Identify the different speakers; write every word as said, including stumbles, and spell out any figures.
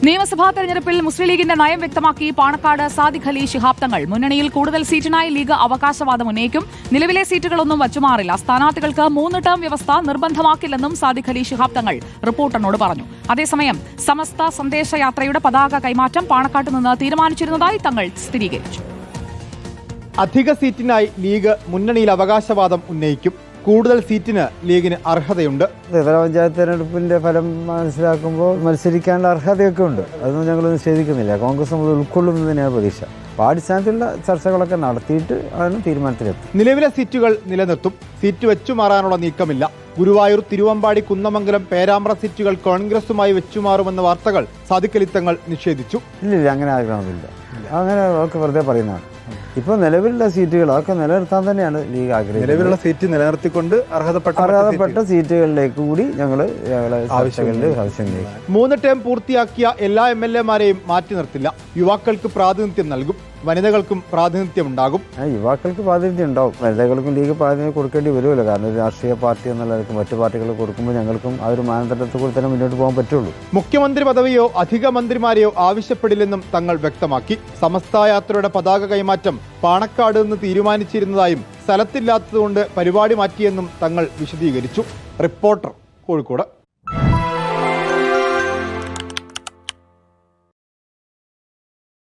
Speaker 1: നിയമസഭാ തെരഞ്ഞെടുപ്പിൽ മുസ്ലിം ലീഗിന്റെ നയം വ്യക്തമാക്കി പാണക്കാട് സാദിഖ് അലി ശിഹാബ് തങ്ങൾ. മുന്നണിയിൽ കൂടുതൽ സീറ്റിനായി ലീഗ് അവകാശവാദം ഉന്നയിക്കും. നിലവിലെ സീറ്റുകളൊന്നും വച്ചുമാറില്ല. സ്ഥാനാർത്ഥികൾക്ക് മൂന്ന് ടേം വ്യവസ്ഥ നിർബന്ധമാക്കില്ലെന്നും സാദിഖ് അലി ശിഹാബ് തങ്ങൾ റിപ്പോർട്ടറിനോട് പറഞ്ഞു. അതേസമയം സമസ്ത സന്ദേശയാത്രയുടെ പതാക കൈമാറ്റം പാണക്കാട്ട് നിന്ന് തീരുമാനിച്ചിരുന്നതായി തങ്ങൾ സ്ഥിരീകരിച്ചു.
Speaker 2: അധിക സീറ്റിനായി ലീഗ് മുന്നണിയിൽ അവകാശവാദം ഉന്നയിക്കും. കൂടുതൽ സീറ്റിന് ലീഗിന് അർഹതയുണ്ട്.
Speaker 3: ത്രിതല പഞ്ചായത്ത് തെരഞ്ഞെടുപ്പിന്റെ ഫലം മനസ്സിലാക്കുമ്പോൾ മത്സരിക്കാനുള്ള അർഹതയൊക്കെ ഉണ്ട്. അതൊന്നും ഞങ്ങൾ നിഷേധിക്കുന്നില്ല. കോൺഗ്രസ് നമ്മൾ ഉൾക്കൊള്ളുന്നതിനാണ് പ്രതീക്ഷ. അടിസ്ഥാനത്തിലുള്ള ചർച്ചകളൊക്കെ നടത്തിയിട്ട് ആണ് തീരുമാനത്തിലെത്തും.
Speaker 2: നിലവിലെ സീറ്റുകൾ നിലനിർത്തും. സീറ്റ് വെച്ചുമാറാനുള്ള നീക്കമില്ല. ഗുരുവായൂർ, തിരുവമ്പാടി, കുന്നമംഗലം, പേരാമ്പ്ര സീറ്റുകൾ കോൺഗ്രസുമായി വെച്ചുമാറുമെന്ന വാർത്തകൾ സാദിഖ് അലി തങ്ങൾ നിഷേധിച്ചു.
Speaker 3: ഇല്ലില്ല, അങ്ങനെ ആഗ്രഹമൊന്നുമില്ല. അങ്ങനെ ഒക്കെ വെറുതെ പറയുന്നതാണ്. ഇപ്പോൾ നിലവിലുള്ള സീറ്റുകൾ അതൊക്കെ നിലനിർത്താൻ തന്നെയാണ് ലീഗ് ആഗ്രഹിക്കുന്നത്.
Speaker 2: നിലവിലുള്ള സീറ്റ് നിലനിർത്തിക്കൊണ്ട് അർഹതപ്പെട്ട
Speaker 3: അർഹതപ്പെട്ട സീറ്റുകളിലേക്ക് കൂടി ഞങ്ങൾ ആവശ്യം.
Speaker 2: മൂന്ന് ടേം പൂർത്തിയാക്കിയ എല്ലാ എം എൽ എമാരെയും മാറ്റി നിർത്തില്ല. യുവാക്കൾക്ക് പ്രാതിനിധ്യം നൽകും. വനിതകൾക്കും പ്രാതിനിധ്യമുണ്ടാകും.
Speaker 3: യുവാക്കൾക്ക് പ്രാതിനിധ്യം ഉണ്ടാവും. വനിതകൾക്കും ലീഗ് പ്രാതിനിധ്യം കൊടുക്കേണ്ടി വരുമല്ലോ. കാരണം ഒരു രാഷ്ട്രീയ പാർട്ടി എന്നുള്ളവർക്ക് മറ്റു പാർട്ടികൾ കൊടുക്കുമ്പോൾ ഞങ്ങൾക്കും ആ ഒരു മാനദണ്ഡത്തിൽ കൂടി തന്നെ മുന്നോട്ട് പോകാൻ പറ്റുള്ളൂ.
Speaker 2: മുഖ്യമന്ത്രി പദവിയോ അധിക മന്ത്രിമാരെയോ ആവശ്യപ്പെടില്ലെന്നും തങ്ങൾ വ്യക്തമാക്കി. സമസ്ത യാത്രയുടെ പതാക കൈമാറ്റം പാണക്കാട് നിന്ന് തീരുമാനിച്ചിരുന്നതായും സ്ഥലത്തില്ലാത്തതുകൊണ്ട് പരിപാടി മാറ്റിയെന്നും തങ്ങൾ വിശദീകരിച്ചു. റിപ്പോർട്ടർ, കോഴിക്കോട്.